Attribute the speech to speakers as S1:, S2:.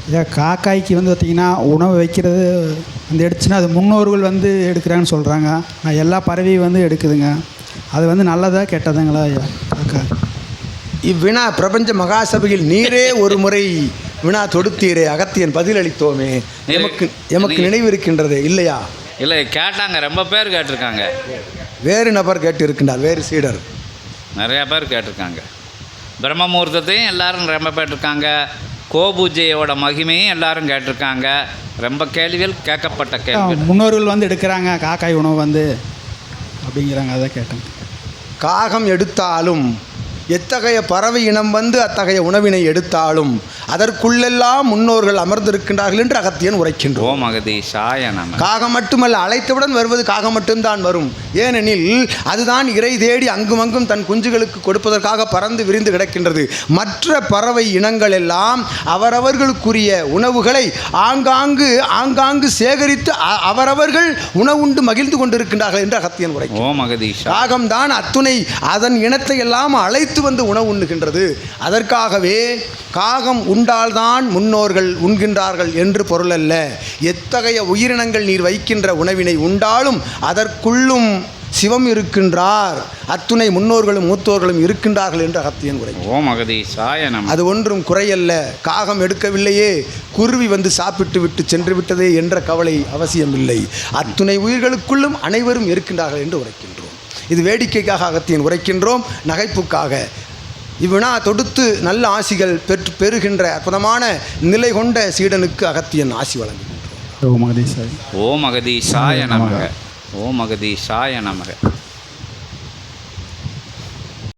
S1: இதை காக்காய்க்கு வந்து பார்த்திங்கன்னா உணவு வைக்கிறது வந்து எடுத்துச்சுன்னா அது முன்னோர்கள் வந்து எடுக்கிறாங்கன்னு சொல்கிறாங்க. எல்லா பறவையும் வந்து எடுக்குதுங்க. அது வந்து நல்லதா கெட்டதுங்களா ஐயா காக்கா?
S2: இவ்வினா பிரபஞ்ச மகாசபையில் நீரே ஒரு முறை வினா தொடுத்தீரே, அகத்தியன் பதிலளித்தோமே, எமக்கு நினைவு இருக்கின்றது இல்லையா?
S3: இல்லை, கேட்டாங்க, ரொம்ப பேர் கேட்டிருக்காங்க.
S2: வேறு நபர் கேட்டு இருக்கின்றார், வேறு சீடர்
S3: நிறையா பேர் கேட்டிருக்காங்க. பிரம்மமுகூர்த்தத்தையும் எல்லாரும் ரொம்ப கேட்டிருக்காங்க. கோபூஜையோட மகிமையும் எல்லாரும் கேட்டிருக்காங்க. ரொம்ப கேள்விகள் கேட்கப்பட்ட கேள்வி.
S1: முன்னோர்கள் வந்து எடுக்கிறாங்க காக்காய் உணவு வந்து அப்படிங்கிறாங்க. அதை கேட்டேன்.
S2: காகம் எடுத்தாலும் எத்தகைய பறவை இனம் வந்து அத்தகைய உணவினை எடுத்தாலும் அதற்குள்ளெல்லாம் முன்னோர்கள் அமர்ந்திருக்கின்றார்கள் என்று அகத்தியன் உரைக்கின்றோம்.
S3: ஓம் அகதீஷாய நமக.
S2: காகம் மட்டுமல்ல, அழைத்தவுடன் வருவது காகம் மட்டும்தான் வரும். ஏனெனில் அதுதான் இறை தேடி அங்குமங்கும் தன் குஞ்சுகளுக்கு கொடுப்பதற்காக பறந்து விரிந்து கிடக்கின்றது. மற்ற பறவை இனங்கள் எல்லாம் அவரவர்களுக்குரிய உணவுகளை ஆங்காங்கு சேகரித்து அவரவர்கள் உணவுண்டு மகிழ்ந்து கொண்டிருக்கின்றார்கள் என்று அகத்தியன் உரை.
S3: ஓம் அகதீஷா.
S2: காகம்தான் அத்துணை அதன் இனத்தை எல்லாம் அழைத்து வந்து உணவு உண்ணுகின்றது. அதற்காகவே காகம் உண்டால்தான் முன்னோர்கள் உண்கின்றார்கள் என்று பொருள் அல்ல. எத்தகைய உயிரினங்கள் நீர் வைக்கின்ற உணவினை உண்டாலும் அதற்குள்ளும் சிவம் இருக்கின்றார், அத்துணை முன்னோர்களும் மூத்தோர்களும் இருக்கின்றார்கள் என்று அகத்தியன் உரை.
S3: ஓம் அகதீஷாய நமக.
S2: அது ஒன்றும் குறையல்ல. காகம் எடுக்கவில்லையே, குருவி வந்து சாப்பிட்டு விட்டு சென்று விட்டதே என்ற கவலை அவசியமில்லை. அத்துணை உயிர்களுக்குள்ளும் அனைவரும் இருக்கின்றார்கள் என்று உரைக்கின்றோம். இது வேடிக்கைக்காக அகத்தியன் உரைக்கின்றோம், நகைப்புக்காக. இவ்வினா தொடுத்து நல்ல ஆசிகள் பெறுகின்ற அற்புதமான நிலை கொண்ட சீடனுக்கு அகத்தியன் ஆசி வழங்குகின்றோம்.
S1: ஓம் அகதீஷாய.
S3: ஓம் அகதீஷாய நமக. ஓம் அகதீஷாய நமக.